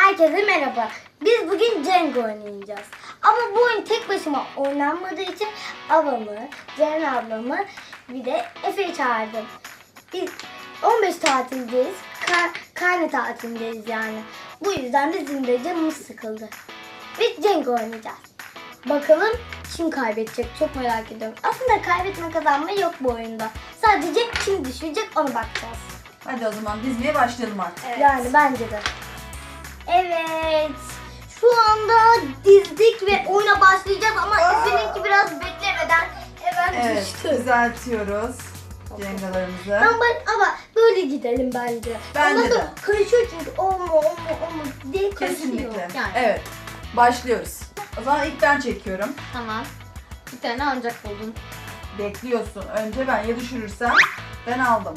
Herkese merhaba. Biz bugün Jenga oynayacağız. Ama bu oyun tek başıma oynanmadığı için ablamı, Ceren ablamı bir de Efe'yi çağırdım. Biz 15 tatildeyiz. Karne tatilindeyiz yani. Bu yüzden de bizim de canımız sıkıldı. Biz Jenga oynayacağız. Bakalım kim kaybedecek, çok merak ediyorum. Aslında kaybetme kazanma yok bu oyunda. Sadece kim düşecek ona bakacağız. Hadi o zaman dizmeye başlayalım artık. Evet. Yani bence de. Evet. Şu anda dizdik ve oyuna başlayacağız ama Efe'ninki biraz beklemeden hemen Evet, düştü. düzeltiyoruz Jengalarımızı. Ama böyle gidelim bence. Bence Ondan sonra de. karışıyor çünkü olma diye karışıyor. Kesinlikle. Yani. Evet, başlıyoruz. O zaman ilk ben çekiyorum. Tamam. Bir tane ancak buldum. Bekliyorsun. Önce ben ya düşürürsem ben aldım.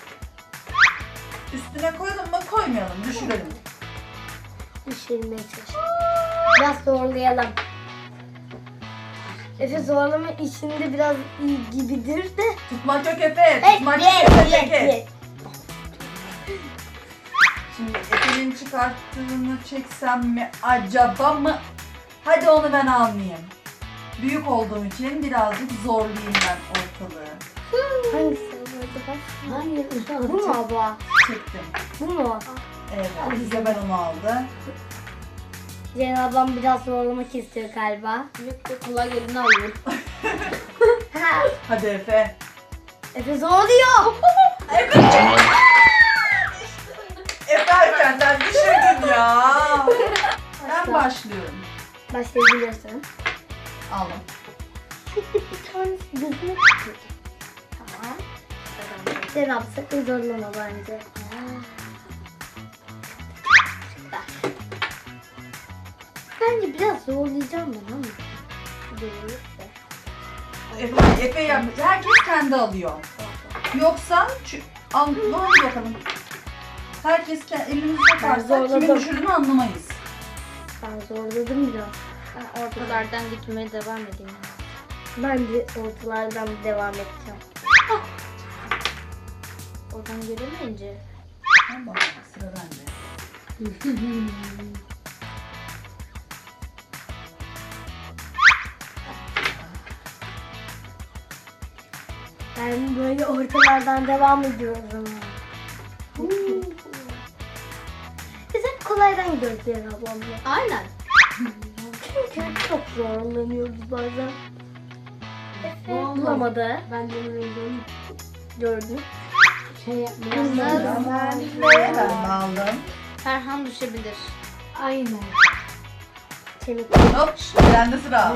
Üstüne koyalım mı koymayalım, düşürelim. Düşürmeye çalışalım. Biraz zorlayalım. Efe zorlama işinde biraz iyi gibidir de. Tutmak yok Efe, tutmak yok Efe. Şimdi Efe'nin çıkarttığını çeksem mi acaba mı? Hadi onu ben almayayım. Büyük olduğum için birazcık zorlayayım ben ortalığı. Hangisi acaba? Hangi? Bu mu abla? Çektim. Bu mu? Evet, size ben onu aldım. Ceren ablam biraz zorlamak istiyor galiba. Yok yok kolay gelini alıyorum. Hadi Efe. Efe zorluyor. Efe çek. Efe erkenden düşürdün ya. Ben başlıyorum. Başlayabilirsin. Aldım. Şimdi bir tanesi gözüme çıkıyor. Tamam. Ceren abla sakın zorlama bence. Bence biraz zorlayacağım ben ama. Zorluksa. Efe yap. Herkes kendi alıyor. Yoksa al hadi bakalım. Herkes elimizi sokarsa zorladım. kimin düşürdüğünü anlamayız. Ben zorladım biraz. Ben ortalardan gitmeye devam edeyim. Ben de ortalardan devam edeceğim. Oradan göremeyince. Tamam, sıra bende. Ben böyle ortalardan devam ediyorum. Biz hep kolaydan gidiyoruz Ceren ablamla. Aynen. Çünkü çok zorlanıyoruz bazen. Efe Vallahi. bulamadı. Ben de öyleydim. Gördün. Şey Yalnız Ben de aldım. Ferhan düşebilir. Aynen. Kemik. Hop, bende sıra.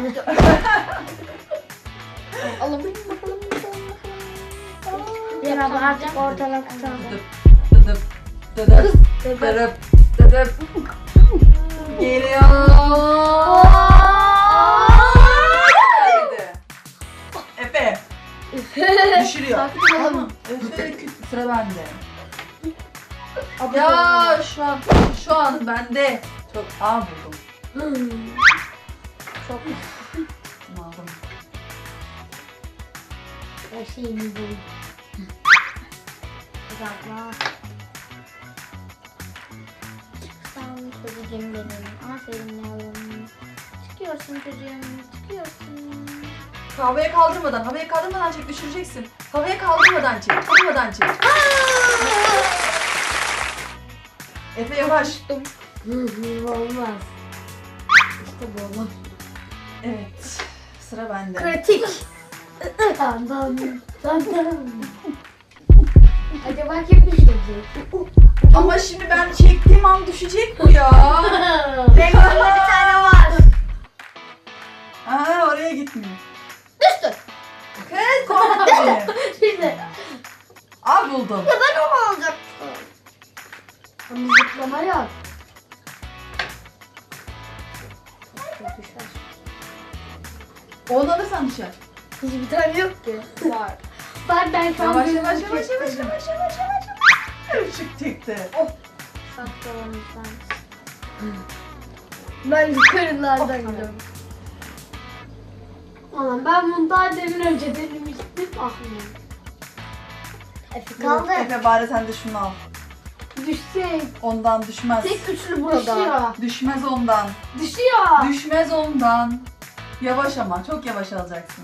Alalım. Ceren abla artık ortadan kurtardı. Dıdıp, dıdıp, dıdıp, dıdıp. Geliyor. Haydi. Efe. Düşürüyor. Sakin olalım. Tamam. Efe sıra bende. Ya şu an bende. Çok buldum. Çok Bunu aldım. her şeyini buldum. Uzatma. Sen çocuğum benim. Aferin yavrum. Çıkıyorsun çocuğum. Çıkıyorsun. Havaya kaldırmadan çek, düşüreceksin. Havaya kaldırmadan çek. Efe yavaş. Olmaz. İşte bu olmaz. Evet, sıra bende. Pratik. Tamam. Acaba kim düşecek? Ama şimdi ben çektiğim an düşecek bu ya. Reklamda bir tane var. Aa, oraya gitmiyor. Düştü. Kız korkma beni. Şimdi. Al buldum. Ya ben onu alacaktım. Ama zıplama yok. Onu alırsan düşer. Hiçbir tane yok ki. Var. Ben şu an Yavaş gözümü yavaş. çektim. Işık çıktı. Saklı olalım sen. Ben yukarılardan gidiyorum. Aman ben bunu daha demin önce denemiştim. Ah. Efe kaldı. Efe bari sen de şunu al. Düşecek. Ondan düşmez. Tek güçlü burada. Düşüyor. Düşmez ondan. Düşüyor. Düşmez ondan. Yavaş ama. Çok yavaş alacaksın.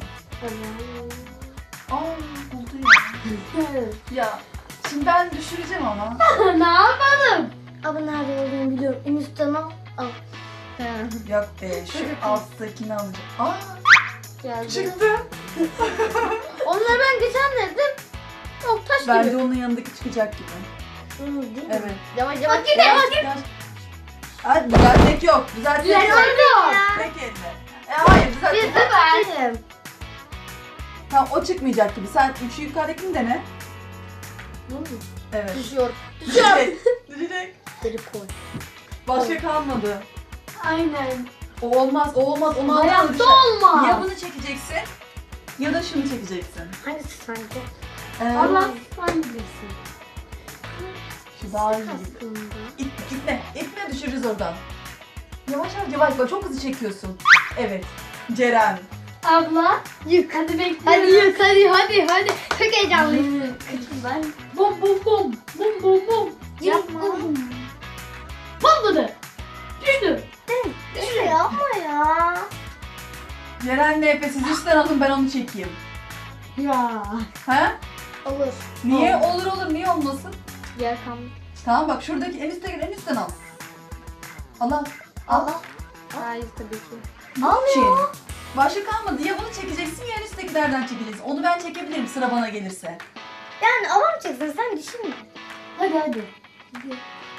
Aa buldu ya. Ya şimdi ben düşüreceğim ama. Ne yapalım? Ama nerede olduğunu biliyorum. En üstten al. Al. Yok be şu alttakini alacağım. Aa Geldi. çıktı. Onları ben geçen dedim. Çok taş Bence gibi. onun yanındaki çıkacak gibi. Değil mi? Evet. Yavaş yavaş. Bak Yavaş. Hadi düzeltmek yok. Düzeltmek yok. Tek elle. Hayır düzeltmek yok. Benim. Tamam o çıkmayacak gibi. Sen şu yukarıdakini dene. Evet. Düşüyor. Düşecek. Düşecek. Geri koy. Başka kalmadı. Aynen. O olmaz, o olmaz. Onu almalı Hayatta düşer. olmaz. Ya bunu çekeceksin ya da şunu çekeceksin. Hangisi sanki? Allah sen bilirsin. Şu daha iyi. Aslında. İtme, itme düşürürüz oradan. Yavaş yavaş, yavaş. Bak çok hızlı çekiyorsun. Evet. Ceren. Abla yık. Hadi bekliyorum. Hadi yık hadi. Çok heyecanlıyım. Ben bum bum bum. Bum bum bum. Yapma. Patladı. Düştü. Düşüyor yapma ya. Ceren'le Efe siz üstten alın ben onu çekeyim. Ya. Ha? Olur. Niye? Olur olur. Niye olmasın? Gel kam. Tamam bak şuradaki en üstten al. Al al. Al. Hayır tabii ki. Almıyor. Başka kalmadı. Ya bunu çekeceksin ya en üsttekilerden çekeceksin. Onu ben çekebilirim sıra bana gelirse. Yani alamayacaksın sen düşünme. Hadi hadi. Hadi.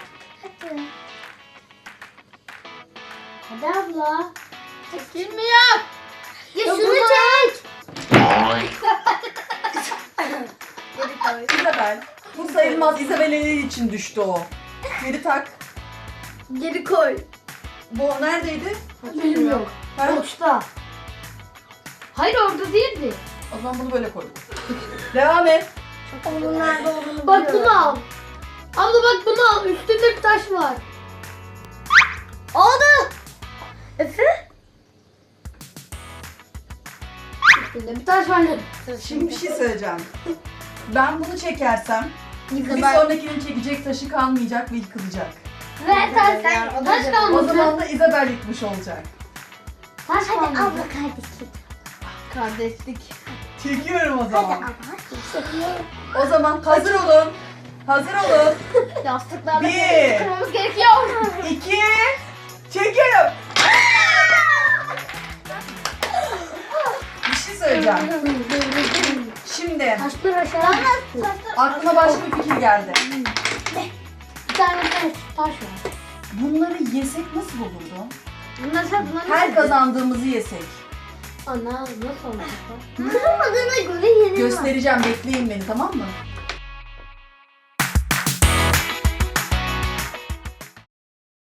Hadi abla. Çekilmiyor. Ya Ya şunu bunu- çek. Geri koy. İzabel. Bu sayılmaz. İzabel'in için düştü o. Geri tak. Geri koy. Bu neredeydi? Benim yok. Ha? Boşta. Hayır orada değildi. O zaman bunu böyle koy. Devam et. Onun nerede olduğunu Bak biliyorum. bunu al. Abla bak bunu al. Üstünde bir taş var. Oldu. Efe? Üstünde bir taş var. Şimdi bir şey söyleyeceğim. Ben bunu çekersem bir sonrakinin çekecek taşı kalmayacak ve yıkılacak. Ve taş. Taş O kalmadı. zaman da İzabel yıkmış olacak. Taş Hadi kalmadı. abla kardeşlik. Kardeşlik. Çekiyorum o Hadi zaman. abla. O zaman hazır olun. Hazır olun. Yastıklarla Bir. kırmamız gerekiyor. 2 çekiyorum. Bir şey söyleyeceğim. Şimdi Taşlar aşağı. aklıma başka bir fikir geldi. Bir tane taş var. Bunları yesek nasıl olurdu? Bunlar Her kazandığımızı yesek. Ana nasıl olacak? Kırılmadığına göre yenilmez. Göstereceğim, bekleyin beni tamam mı?